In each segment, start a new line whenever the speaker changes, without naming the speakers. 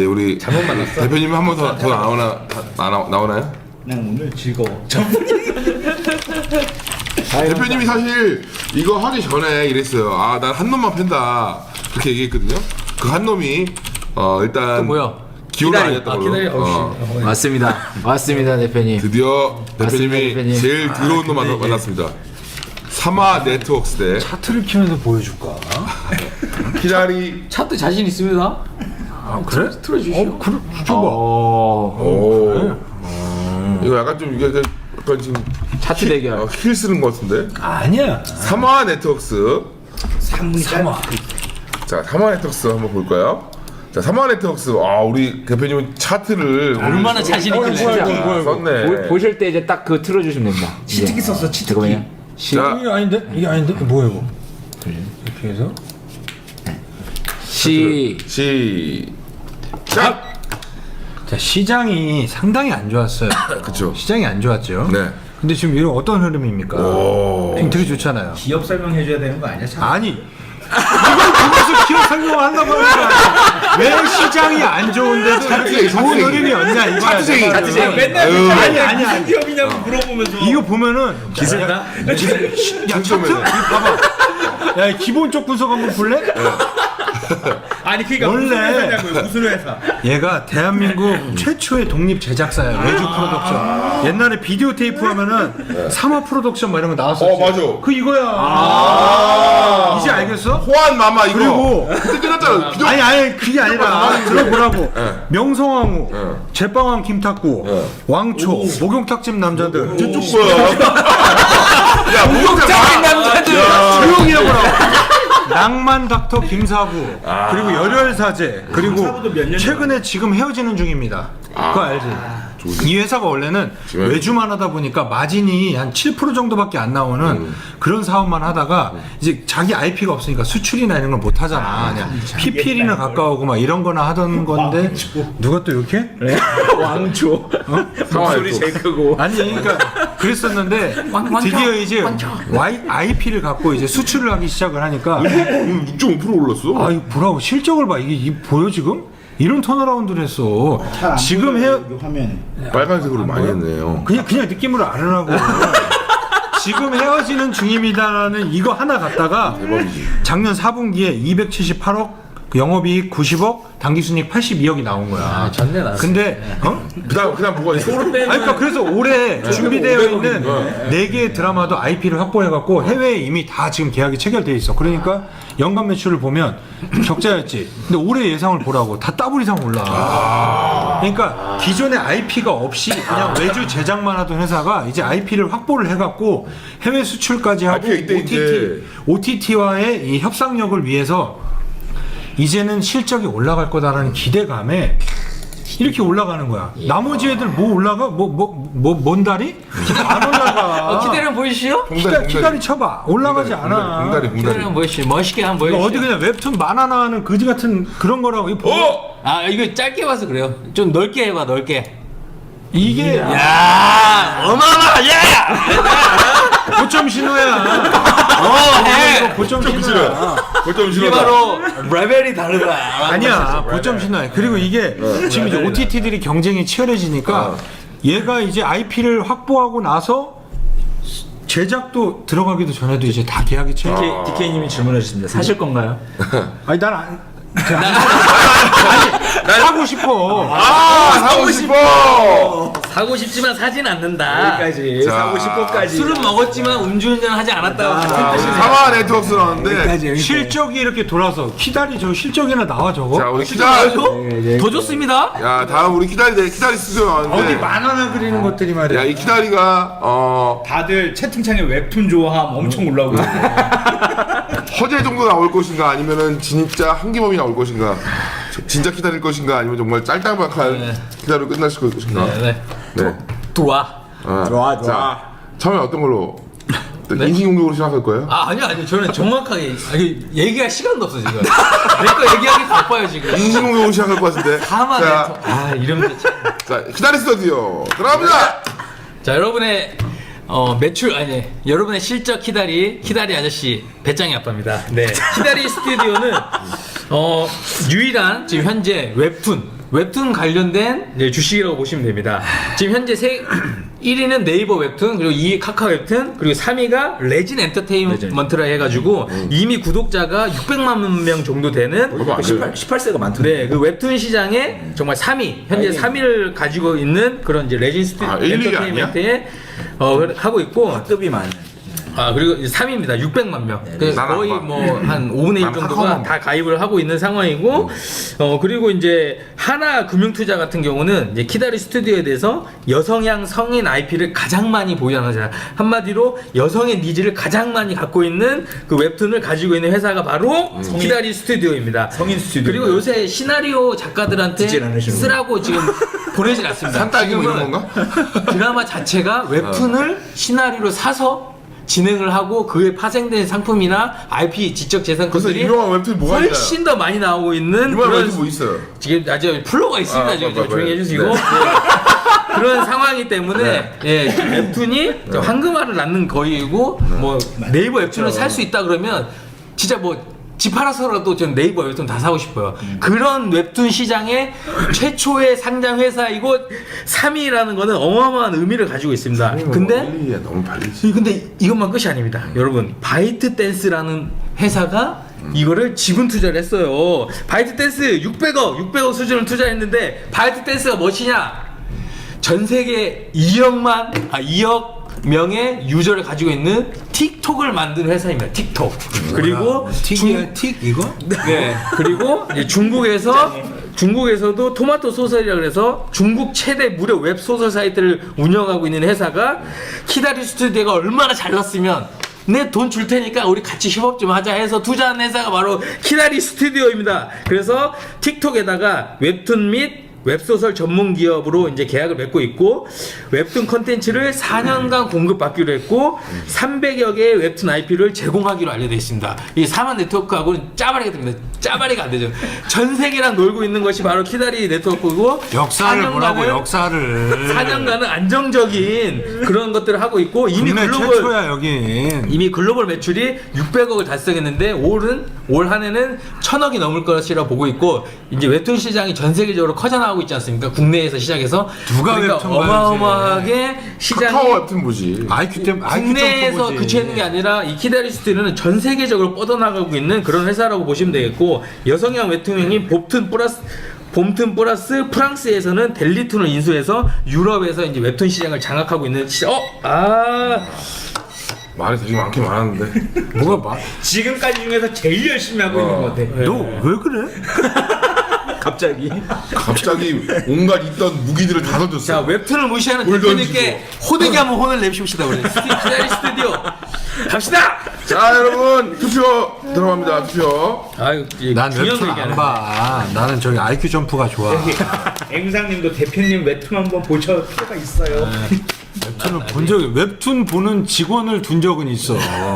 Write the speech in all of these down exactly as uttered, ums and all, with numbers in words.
우리
잘못 만났어.
대표님 한 번 더 더 나오나 나, 나, 나오나요?
난 오늘 즐거워.
대표님이 사실 이거 하기 전에 이랬어요. 아, 난 한 놈만 팬다. 그렇게 얘기했거든요. 그 한 놈이 어 일단
또 뭐야?
기호가
기다리.
아니었던
아,
걸로.
기다리.
어,
어,
맞습니다. 맞습니다, 대표님.
드디어
맞습니다,
대표님이
대표님.
제일 더러운 놈 만나- 만났습니다. 사마 네트워크스 대
차트를 키면서 보여줄까?
키다리.
차트 자신 있습니다.
아 그래?
틀어주시오.
어 그래? 줘봐.
오. 이거 약간 좀 이게 그- 약간 지금
차트 대결.
어, 힐 쓰는 것 같은데.
아니야.
사마 네트워크스.
삼분이 삼아.
자, 사마 네트워크스 한번 볼까요? 자, 사마 네트워크스. 아, 우리 대표님은 차트를
얼마나 자신 있길래.
진짜.
아, 썼네.
보- 보실 때 이제 딱 그 틀어주시면 됩니다.
치트키 썼어. 치트키.
잠깐만요. 시,
자,
이게 아닌데? 이게 아닌데? 뭐야 이거? 이렇게 해서
시,
시작.
자 시장이 상당히 안 좋았어요.
그쵸.
시장이 안 좋았죠.
네.
근데 지금 이런 어떤 흐름입니까?
오.
지금 되게 좋잖아요.
기업 설명해줘야 되는 거 아니야? 참.
아니 이걸 보면서 기업 설명을 한다고 하니까 왜 시장이 안 좋은데도 이렇게 좋은
차트쟁이.
흐름이 없냐 이거야.
차트쟁이.
내가
차트쟁이.
지금.
맨날
아유.
아니
아니,
아니
아니.
무슨 기업이냐고 물어보면서
이거 보면은
기술다?
야 차트?
점에서.
이거 봐봐. 야 기본적 분석 한번 볼래?
아니 그러니까
원래-
무슨 회사냐고요? 무슨 회사?
얘가 대한민국 최초의 독립 제작사야. 외주 프로덕션. 옛날에 비디오 테이프 하면은 삼화 프로덕션 막 이런 거 나왔었지.
어, 맞아.
그 이거야.
아.
이제 알겠어?
호환 마마 이거.
그리고-
그때 끝났잖아. 비디오-
아니 아니 그게 아니라 들어보라고.
예.
명성황후,
예.
제빵왕 김탁구,
예.
왕초, 목욕탕집 남자들.
저쪽 거야. 야, 목욕탕
남자들.
조용히 해보라고. 낭만 닥터 김사부, 그리고 열혈사제, 그리고
김사부도 몇년
최근에 지금 헤어지는 중입니다. 그거 알지? 이 회사가 원래는
지금-
외주만 하다 보니까 마진이 한 칠 퍼센트 정도밖에 안 나오는 그런 사업만 하다가 이제 자기 아이피가 없으니까 수출이나 이런 걸 못 하잖아. 그냥 피피엘이나 가까우고 막 이런 거나 하던 건데 누가 또 이렇게?
왕초. 목소리 제일 크고.
아니 그러니까 그랬었는데 드디어 이제 와이, 아이피를 갖고 이제 수출을 하기 시작을 하니까
육 점 오 퍼센트 올랐어.
아 이거 보라고 실적을 봐. 이게, 이게 보여 지금? 이런 턴어라운드를 했어. 지금 해
화면.
빨간색으로 많이 했네요.
그냥 그냥 느낌으로 알으라고. 지금 헤어지는 중입니다라는 이거 하나 갖다가 작년 사 분기에 이백칠십팔억, 영업이익 구십억, 당기순이익 팔십이억이 나온 거야.
아, 전내 나.
근데 어?
그다음 그다음 뭐가 있어?
아니 그러니까 그래서 올해 준비되어 있는 네 개의 드라마도 아이피를 확보해갖고 해외에 이미 다 지금 계약이 체결돼 있어. 그러니까 연간 매출을 보면 적자였지. 근데 올해 예상을 보라고 다 더블 이상 올라. 그러니까 기존에 아이피가 없이 그냥 외주 제작만 하던 회사가 이제 아이피를 확보를 해갖고 해외 수출까지 하고
아이피가 이때
오티티,
이제-
오티티와의 이 협상력을 위해서 이제는 실적이 올라갈 거다라는 기대감에 이렇게 올라가는 거야. 나머지 애들 뭐 올라가? 뭐 뭐 뭐 뭔 다리? 안 올라가.
어, 기대를 보이시오?
기다, 기다리 쳐봐. 올라가지 않아.
공다리
기대를
공다리.
한번 보이시오. 멋있게 한번
이거
보이시오.
어디 그냥 웹툰 만화 나오는 그지 같은 그런 거라고. 이거 보고
어!
아 이거 짧게 봐서 그래요. 좀 넓게 해봐 넓게.
이게
야 어마어마하냐!
고점 신호야.
어 해.
이거 고점 신호야.
싫어. 골점
이게
싫어.
바로 레벨이 다르다.
아니야. 고점 신호야. 그리고 이게 지금 이제 오티티들이 경쟁이 치열해지니까 얘가 이제 아이피를 확보하고 나서 제작도 들어가기도 전에도 이제 다 계약이 체결.
디케이님이 질문해 주십니다. 사실 건가요?
아니 난 안. 아니 사고 싶어.
아, 사고 싶어.
사고 싶지만 사진 않는다.
여기까지.
자,
사고 싶어까지.
술은 먹었지만 음주운전 하지 않았다고 같은 뜻이네.
사마 네트워크스 나왔는데.
실적이 이렇게 돌아서 키다리 저 실적이나 나와 저거.
자, 우리 키다리.
더 좋습니다.
야, 다음 우리 키다리 대 키다리 스튜디오
어디
나왔는데.
만화나 그리는 것들이 말이야.
야, 이 키다리가 어
다들 채팅창에 웹툰 좋아함 엄청 올라오고 있어요.
허재 정도 나올 것인가 아니면은 진짜 한기범이 나올 것인가. 진짜 기다릴 것인가 아니면 정말 짤딱박한
네.
기다려 끝날 것인가.
네, 네.
네.
들어와.
아,
좋아, 좋아.
자, 처음에 어떤 걸로?
네?
인신공격으로 시작할 거예요?
아 아니요 아니요 저는 정확하게 아니, 얘기할 시간도 없어 지금. 내 거 얘기하기 바빠요 지금.
인신공격으로 시작할 것 같은데.
다만
자,
아 이름도 참.
자, 기다리 스튜디오 들어갑니다.
자 여러분의 어 매출 아니 여러분의 실적 키다리 키다리 아저씨 배짱이 아빠입니다. 네 키다리 스튜디오는 어 유일한 지금 현재 웹툰 웹툰 관련된 이제 주식이라고 보시면 됩니다. 지금 현재 세, 일 위는 네이버 웹툰, 그리고 이 위 카카오 웹툰, 그리고 삼 위가 레진 엔터테인먼트라 해가지고 이미 구독자가 육백만 명 정도 되는
얼마 안 돼요.
십팔 세가 많던데.
네, 그 웹툰 시장에 정말 삼 위, 현재 삼 위를 가지고 있는 그런 이제 레진 스튜
아, 일, 이 위
엔터테인먼트에 어, 하고 있고,
급이 많은.
아 그리고 이제 삼 위입니다. 육백만 명. 그
난
거의
안 봐.
뭐 한 오분의 일
난
정도가
카카오만
다 가입을 하고 있는 상황이고, 어 그리고 이제 하나 금융투자 같은 경우는 이제 키다리 스튜디오에 대해서 여성향 성인 아이피를 가장 많이 보유하는 회사. 한마디로 여성의 니즈를 가장 많이 갖고 있는 그 웹툰을 가지고 있는 회사가 바로 키다리 스튜디오입니다.
성인 스튜디오.
그리고 요새 시나리오 작가들한테
디제이 안 하시는
쓰라고 지금 보내진 않습니다.
산딸기 뭐 이런
지금은
건가?
드라마 자체가 웹툰을 시나리오로 사서 진행을 하고 그에 파생된 상품이나 아이피 지적
그래서
재산권들이
유명한 웹툰 뭐가 있나요?
훨씬 더 많이 나오고 있는
유명한
그런
웹툰 뭐 있어요?
지금 아주 플로가 있습니다.
아,
지금
빨리, 빨리,
조용히
빨리.
해주시고
네.
예. 그런 상황이기 때문에 예, 웹툰이 황금알을 낳는 거이고 뭐 네이버 웹툰을 살 수 있다 그러면 진짜 뭐 집 팔아서라도 전 네이버 웹툰 다 사고 싶어요. 그런 웹툰 시장의 최초의 상장 회사이고 삼 위라는 거는 어마어마한 의미를 가지고 있습니다. 근데
일, 이에 너무 발리지.
이- 근데 이것만 끝이 아닙니다. 여러분, 바이트 댄스라는 회사가 이거를 지분 투자를 했어요. 바이트 댄스 육백억, 육백억 수준을 투자했는데 바이트 댄스가 무엇이냐? 전 세계 이억만 아 이억 명의 유저를 가지고 있는 틱톡을 만든 회사입니다. 틱톡. 그리고
틱이야 틱 이거?
네. 그리고 이제 중국에서 중국에서도 토마토 소설이라 그래서 중국 최대 무료 웹 소설 사이트를 운영하고 있는 회사가 키다리 스튜디오가 얼마나 잘났으면 내 돈 줄 테니까 우리 같이 협업 좀 하자 해서 투자한 회사가 바로 키다리 스튜디오입니다. 그래서 틱톡에다가 웹툰 및 웹소설 전문 기업으로 이제 계약을 맺고 있고 웹툰 컨텐츠를 사 년간 공급받기로 했고 삼백여 개의 웹툰 아이피를 제공하기로 알려져 있습니다. 이 사만 네트워크하고는 짜바리가 됩니다. 짜바리가 안 되죠. 전 세계랑 놀고 있는 것이 바로 키다리 네트워크고
역사를 보라고
사 년간은
역사를.
사 년간은 안정적인 그런 것들을 하고 있고 이미
국내
글로벌
최초야 여긴.
이미 글로벌 매출이 육백억을 달성했는데 올은 올 한해는 천억이 넘을 것이라 보고 있고 이제 웹툰 시장이 전 세계적으로 커져나가고 있지 않습니까? 국내에서 시작해서
누가
그러니까
웹툰 봐야지.
어마어마하게 시장이
카카오 웹툰 보지.
아이큐 템 아이큐
국내에서
점프 보지.
그치는 게 아니라 이 키다리 스튜디오는 전 세계적으로 뻗어나가고 있는 그런 회사라고 보시면 되겠고 여성향 웹툰인 봄툰 플러스 봄툰 플러스 프랑스에서는 델리툰을 인수해서 유럽에서 이제 웹툰 시장을 장악하고 있는 시... 어? 아
말이 되게 많긴 많았는데.
뭐가 막?
지금까지 중에서 제일 열심히 하고 있는 것 같아.
너 왜 그래?
갑자기.
갑자기 온갖 있던 무기들을 다
자,
던졌어.
웹툰을 무시하는
뭘
대표님께 호되게 한번 혼을 내십시다 우리 키다리 스튜디오 갑시다.
자, 여러분 투표 들어갑니다. 투표.
아유,
난 웹툰 안 봐. 나는 저기 아이큐 점프가 좋아.
앵상님도 대표님 웹툰 한번 보실 필요가 있어요.
웹툰을 본 적이 웹툰 보는 직원을 둔 적은 있어.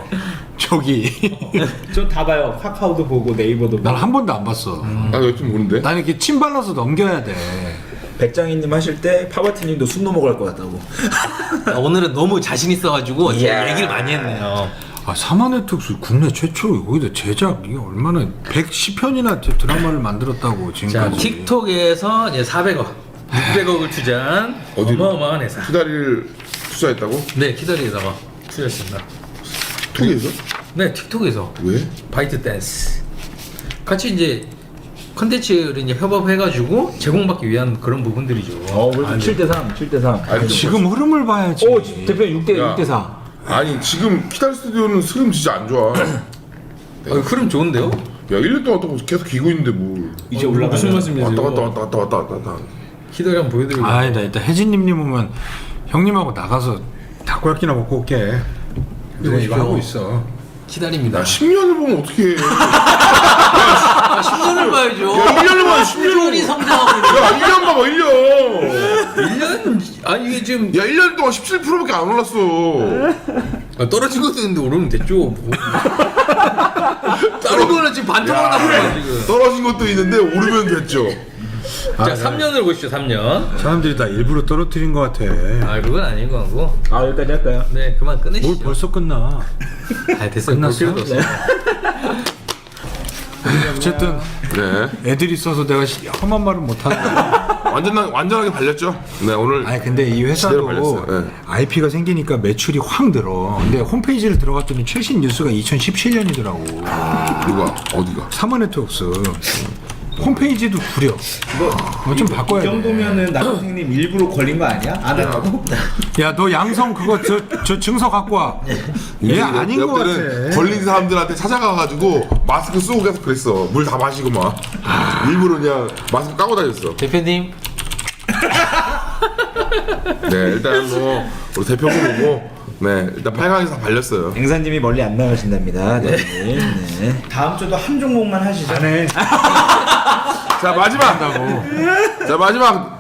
저기
전 다 봐요. 카카오도 보고 네이버도 보고.
난 한 번도 안 봤어.
나 웹툰 보는데.
난 이렇게 침 발라서 넘겨야 돼.
백장희님 하실 때 파바티님도 숨 넘어갈 것 같다고.
아, 오늘은 너무 자신 있어가지고 제가 얘기를 많이 했네요.
아, 사마네트웍스 국내 최초로 여기다 제작 이게 얼마나 백십 편이나 드라마를 만들었다고
자,
지금까지.
틱톡에서 이제 사백억, 육백억을 투자한
어디로?
어마어마한 회사.
키다리를 투자했다고?
네, 키다리에다가 투자했습니다.
톡에서?
네, 틱톡에서
왜?
바이트 댄스 같이 이제 컨텐츠를 이제 협업해가지고 제공받기 위한 그런 부분들이죠.
어, 그래도 칠 대 삼, 칠 대 삼.
아니,
지금 흐름을 봐야지.
오, 대표님 육 대
야.
육 대 사.
아니 지금 키다리 스튜디오는 흐름 진짜 안 좋아. 야
어, 흐름 좋은데요?
일 년 동안 또 계속 기고 있는데 뭘.
이제
어,
올라가.
무슨 말씀이세요?
왔다 갔다 왔다 갔다 왔다 갔다 왔다.
키다리 한번 보여드리고.
아니다, 일단 혜진님님 오면 형님하고 나가서 닭고기나 먹고 올게. 이거 이거 하고 있어.
키다리입니다.
야 십 년을 보면 어떻게 해.
아, 십 년을 봐야죠.
야 일 년을 봐야 십 년.
꾸준히 성장하고 있는.
야 일 년 봐봐 일 년.
일 년 아니 이게 지금
야 일 년 동안 십칠 퍼센트밖에 안 올랐어.
아, 떨어진 것도 있는데 오르면 됐죠. 뭐. 다른 거는 지금 반토막 나쁘다 지금.
떨어진 것도 있는데 오르면 됐죠.
자, 삼 년을 보시죠. 삼 년.
사람들이 다 일부러 떨어뜨린 것 같아.
아, 그건 아닌 거 같고.
아, 여기까지 할까요?
네, 그만 끝내시죠.
뭘 벌써 끝나?
아, 됐어요. 볼
끝났어?
필요도 없어요.
자, 어쨌든
네.
애들이 있어서 내가 시- 험한 말은 못하고.
완전 완전하게 발렸죠. 네 오늘
아니 근데 이
제대로
회사도
발렸어요. 네.
아이피가 생기니까 매출이 확 늘어. 근데 홈페이지를 들어갔더니 최신 뉴스가 이천십칠 년이더라고.
누가 어디가?
사마네트웍스 홈페이지도 구려. 뭐 좀 바꿔야
이
돼.
정도면은 나 선생님 일부러 걸린 거 아니야? 안 하라고?
야 너 양성 그거 저, 저 증서 갖고 와. 얘 아닌 것
옆에는
같아.
걸린 사람들한테 찾아가가지고 마스크 쓰고 계속 그랬어. 물 다 마시고 막 일부러 그냥 마스크 까고 다녔어.
대표님
네 일단 뭐 우리 대표분 보고 네 일단 팔 강에서 다 발렸어요.
앵사님이 멀리 안 나가신답니다. 네. 네.
다음 주도 한 종목만 하시죠.
자 마지막 자 마지막